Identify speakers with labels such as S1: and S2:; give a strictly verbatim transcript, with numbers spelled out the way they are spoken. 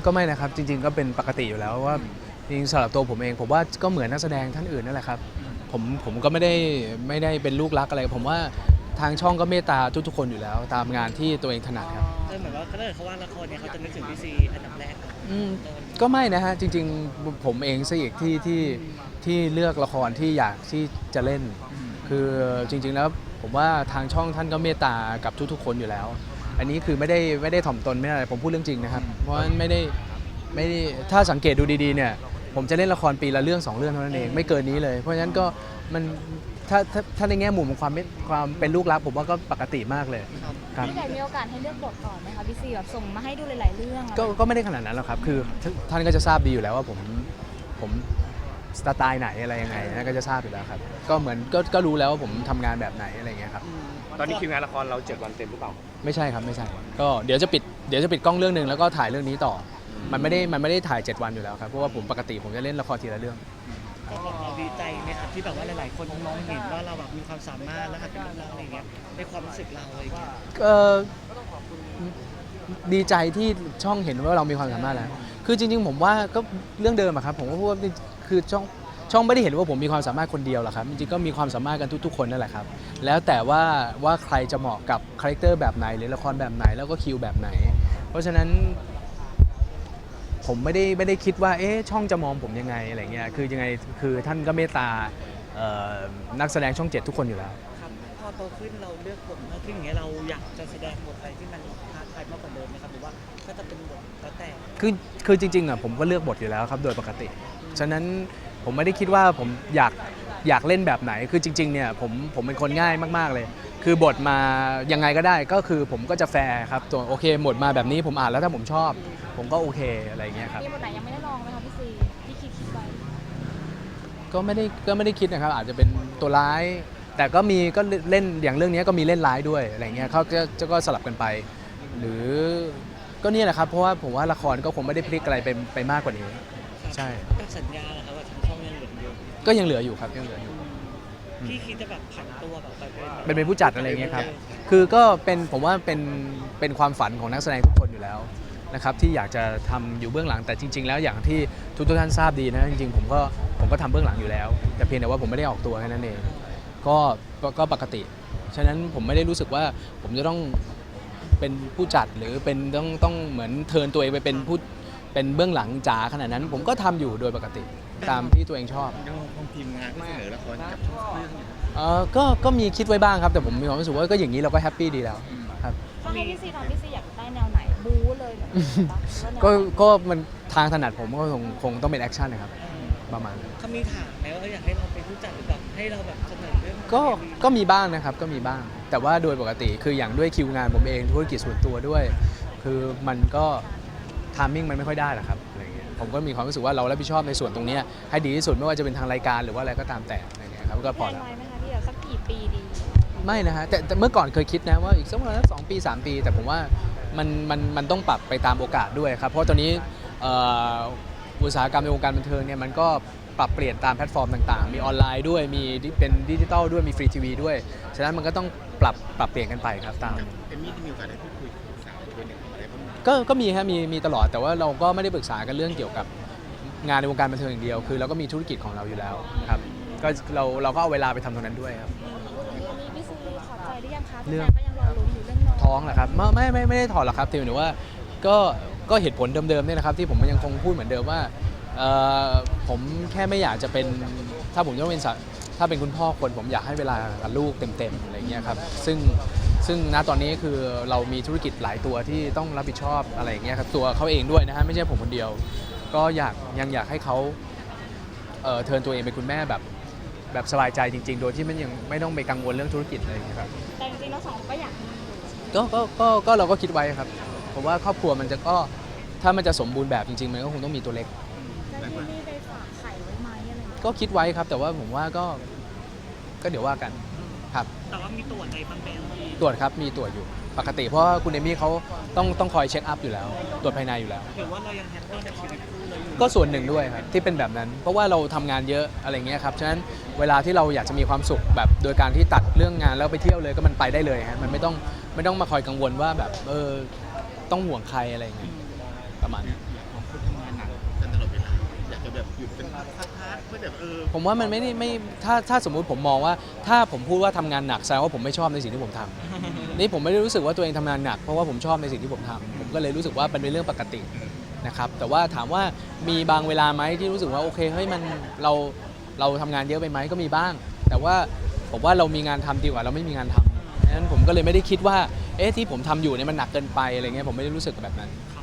S1: ก็ไม่นะครับจริงๆก็เป็นปกติอยู่แล้วว่าจริงๆสำหรับตัวผมเองผมว่าก็เหมือนนักแสดงท่านอื่นนั่นแหละครับผมผมก็ไม่ได้ไม่ได้เป็นลูกรักอะไรผมว่าทางช่องก็เมตตาทุกๆคนอยู่แล้วตามงานที่ตัวเองถนัดครับ
S2: เออเหมือนว่าถ้าเกิดเขาว่าละครเนี่ยเขาจะนึกถึงพี่ซีอันดับแรกก่อน
S1: อืมก็ไม่นะฮะจริงๆผมเองซะอีกที่ที่ที่เลือกละครที่อยากที่จะเล่นคือจริงๆแล้วผมว่าทางช่องท่านก็เมตตากับทุกๆคนอยู่แล้ว อันนี้คือไม่ได้ไม่ได้ถ่อมตนไม่ได้อะไรผมพูดเรื่องจริงนะครับเพราะฉะนั้นไม่ได้ไม่ได้ถ้าสังเกตดูดีๆเนี่ยผมจะเล่นละครปีละเรื่องสองเรื่องเท่านั้นเองไม่เกินนี้เลยเพราะฉะนั้นก็มันถ้าถ้าถ้าในแง่มุมของความความเป็นลูกรักผมว่าก็ปกติมากเลยครับ
S3: พี่ไก่มีโอกาสให้เลือกบทก่อนไหมคะพี่ซีแบบส่งมาให้ดูหลายๆเรื่อง
S1: ก็ก็ไม่ได้ขนาดนั้นหรอกครับคือท่านก็จะทราบดีอยู่แล้วว่าผมผมสไตล์ไหนอะไรยังไงนะก็จะทราบอยู่แล้วครับก็เหมือนก็ก็รู้แล้วว่าผมทำงานแบบไหนอะไรเงี้ยครับ
S4: ตอนนี้คิวงานละครเราเจ็ดวันเต็มหรือเปล่า
S1: ไม่ใช่ครับไม่ใช่ก็เดี๋ยวจะปิดเดี๋ยวจะปิดกล้องเรื่องหนึ่งแล้วก็ถ่ายเรื่องนี้ต่อมันไม่ได้มันไม่ได้ถ่ายเจ็ดวันอยู่แล้วครับเพราะว่าผมปกติผมจะเล่นละครทีละเรื่อง
S2: ก็แบบเราดีใจไหมครับที่แบบว่าหลายๆคนมองเห็นว่าเราแบบมีความสามารถแล้วหัดเป็นนักร้องอะไรเงี้ยในความรู้สึกเราอะไรเงี้ย
S1: เออดีใจที่ช่องเห็นว่าเรามีความสามารถแล้วคือจริงๆผมว่าก็เรื่องเดิมอะครับผมก็พูดว่าคือช่องช่องไม่ได้เห็นว่าผมมีความสามารถคนเดียวหรอกครับจริงๆก็มีความสามารถกันทุกๆคนนั่นแหละครับแล้วแต่ว่าว่าใครจะเหมาะกับคาแรคเตอร์แบบไหนหรือละครแบบไหนแล้วก็คิวแบบไหนเพราะฉะนั้นผมไม่ได้ไม่ได้คิดว่าเอ๊ะช่องจะมองผมยังไงอะไรเงี้ยคือยังไงคือท่านก็เมตตานักแสดงช่องเจ็ดทุกคนอยู่แล้ว
S2: ครับพอโตขึ้นเราเลือกบทมากขึ้นอย่างเงี้ยเราอยากจะแสดงบทอะไรที่มันท้าทายมากกว่าเดิมไหมครับหรือว่าก็จะเป็นบทแล้วแต่
S1: คือคือจริงๆอ่ะผมก็เลือกบทอยู่แล้วครับโดยปกติฉะนั้นผมไม่ได้คิดว่าผมอยากอยากเล่นแบบไหนคือจริงๆเนี่ยผมผมเป็นคนง่ายมากๆเลยคือบทมายังไงก็ได้ก็คือผมก็จะแฟร์ครับตัวโอเคหมดมาแบบนี้ผมอ่านแล้วถ้าผมชอบผมก็โอเคอะไรเงี้ยครับ
S3: มีบทไหนยังไม่ได้ลองไหมคะพี่ซีที่คิดคิดไว้
S1: ก็ไม่ได้ก็ไม่ได้คิดนะครับอาจจะเป็นตัวร้ายแต่ก็มีก็เล่นอย่างเรื่องนี้ก็มีเล่นร้ายด้วยอะไรเงี้ยเขาก็ก็สลับกันไปหรือก็นี่แหละครับเพราะว่าผมว่าละครก็คงไม่ได้พลิกอะไรไปไปมากกว่านี้ใช่
S2: กับสัญญาเหรอครับว่าทางช่องยังเหลืออยู่
S1: ก็ยังเหลืออยู่ครับยังเหลืออยู่
S2: พี่คิดจะแบบผันตัวแบบไป
S1: เป็นเป็นผู้จัดอะไรเงี้ยครับคือก็เป็นผมว่าเป็นเป็นความฝันของนักแสดงทุกคนอยู่แล้วนะครับที่อยากจะทำอยู่เบื้องหลังแต่จริงๆแล้วอย่างที่ทุกท่านทราบดีนะจริงๆผมก็ผมก็ทำเบื้องหลังอยู่แล้วแต่เพียงแต่ว่าผมไม่ได้ออกตัวแค่นั้นเองก็ก็ปกติฉะนั้นผมไม่ได้รู้สึกว่าผมจะต้องเป็นผู้จัดหรือเป็นต้องต้องเหมือนเทิร์นตัวเองไปเป็นผู้เป็นเบื้องหลังจ๋าขนาดนั้นผมก็ทำอยู่โดยปกติตามที่ตัวเองชอบ
S4: ยังคงทีมงานที่เสนอละครกับช่องเรื่อง
S1: เออก็ก็มีคิดไว้บ้างครับแต่ผมมีความรู้สึกว่าก็อย่างนี้เราก็แฮปปี้ดีแล้วครับ
S3: ถ้าให้พี่ซีทำพี่ซีอยากได้แนวไหนบู๊เลยแบบ
S1: ก็ก็มันทางถนัดผมก็คงคงต้องเป็นแอคชั่นนะครับประมาณนั้น
S2: เขามีถามไหมว่าอยากให้เราเป็นผู้จัดหรือแบบให้เราแบบเสนอเรื่อง
S1: ก็ก็มีบ้างนะครับก็มีบ้างแต่ว่าโดยปกติคืออย่างด้วยคิวงานผมเองธุรกิจส่วนตัวด้วยคือมันก็ทามมิ่งมันไม่ค่อยได้หรอกครับอะไรเงี้ยผมก็มีความรู้สึกว่าเรารับผิดชอบในส่วนตรงนี้ให้ดีที่สุดไม่ว่าจะเป็นทางรายการหรือว่าอะไรก็ตามแต่อะไรเงี้ยครับก็พอแล้ว
S3: ไหมคะพี่สักกี่ปีดี
S1: ไม่นะฮะแต่แต่เมื่อก่อนเคยคิดนะว่าอีกสักประมาณสองปีสามปีแต่ผมว่ามันมันมันต้องปรับไปตามโอกาสด้วยครับเพราะตอนนี้อุตสาหกรรมในวงการบันเทิงเนี่ยมันก็ปรับเปลี่ยนตามแพลตฟอร์มต่างๆมีออนไลน์ด้วยมีเป็นดิจิตอลด้วยมีฟรีทีวีด้วยฉะนั้นมันก็ต้องปรับปรับเปลี่ยนกันไปครับตาม
S4: เอมมี่ที่มีโอกาสได้พูดคุยกับสาวเป็นอะไรบ้าง
S1: ก็ก็มีฮะมีมีตลอดแต่ว่าเราก็ไม่ได้ปรึกษากันเรื่องเกี่ยวกับงานในวงการบันเทิงอย่างเดียวคือเราก็มีธุรกิจของเราอยู่แล้วครับก็เราเราก็เอาเวลาไปทำตรงนั้นด้วยครับ
S3: มีพี่ซีถอดใจหรือยังคะเรื่องก็ยังรอลุ้นอยู่เรื่องน้อง
S1: ท้องเหรอครับไม่ไม่ไม่ได้ถอดหรอกครับแต่หมายถึงว่าก็ก็เหตุผลเดิมๆเนี่ยนะครับที่ผมยังคงพูดเหมือนเดิมว่าผมแค่ไม่อยากจะเป็นถ้าผมต้องเป็นถ้าเป็นคุณพ่อคนผมอยากให้เวลากับลูกเต็มๆอะไรเงี้ยครับซึ่งซึ่งณตอนนี้คือเรามีธุรกิจหลายตัวที่ต้องรับผิดชอบอะไรอย่างเงี้ยครับตัวเขาเองด้วยนะฮะไม่ใช่ผมคนเดียวก็อยากยังอยากให้เขาเอ่อเทิร์นตัวเองเป็นคุณแม่แบบแบบสบายใจจริงๆโดยที่มันยังไม่ต้องไปกังวลเรื่องธุรกิจอะไรอย่างเงี้ยครับ
S3: แต่จริงๆเราสองก็อยาก
S1: ก็ก็ก็ก็เราก็คิดไว้ครับผมว่าครอบครัวมันจะก็ถ้ามันจะสมบูรณ์แบบจริงๆมันก็คงต้องมีตัวเล็ก
S3: แล้วที่นี่ไปฝากไข่ไว้ไหมอะไร
S1: ก็คิดไว้ครับแต่ว่าผมว่าก็ก็เดี๋ยวว่ากันครับ
S2: แต่ว่ามีตรวจอะไรบ้างไหม
S1: ตรวจครับมีตรวจอยู่ปกติเพราะคุณเอมี่เขาต้องต้องคอยเช็คอัพอยู่แล้วตรวจภายในอยู่แล้ว
S2: หรือว่าเรายังแฮปปี้กับชีวิตคู่เลยอยู่
S1: ก็ส่วนหนึ่งด้วยครับที่เป็นแบบนั้นเพราะว่าเราทำงานเยอะอะไรเงี้ยครับฉะนั้นเวลาที่เราอยากจะมีความสุขแบบโดยการที่ตัดเรื่องงานแล้วไปเที่ยวเลยก็มันไปได้เลยฮะมันไม่ต้องไม่ต้องมาคอยกังวลว่าแบบเออต้องห่วงใครอะไรเงี้ยประมาณนี้
S2: ออ
S1: ผมว่ามันไม่ได้ไม่ถ้าถ้าสมมุติผมมองว่าถ้าผมพูดว่าทำงานหนักแสดงว่าผมไม่ชอบในสิ่งที่ผมทำ นี่ผมไม่ได้รู้สึกว่าตัวเองทำงานหนักเพราะว่าผมชอบในสิ่งที่ผมทำผมก็เลยรู้สึกว่าเป็นเรื่องปกตินะครับแต่ว่าถามว่ามีบางเวลาไหมที่รู้สึกว่าโอเคเฮ้ยมันเราเราทำงานเยอะไปไหมก็มีบ้าง แต่ว่าผมว่าเรามีงานทำดีกว่าเราไม่มีงานทำดังนั้นผมก็เลยไม่ได้คิดว่าเอ๊ะที่ผมทำอยู่เนี่ยมันหนักเกินไปอะไรเงี้ยผมไม่ได้รู้สึกแบบนั้น
S2: ค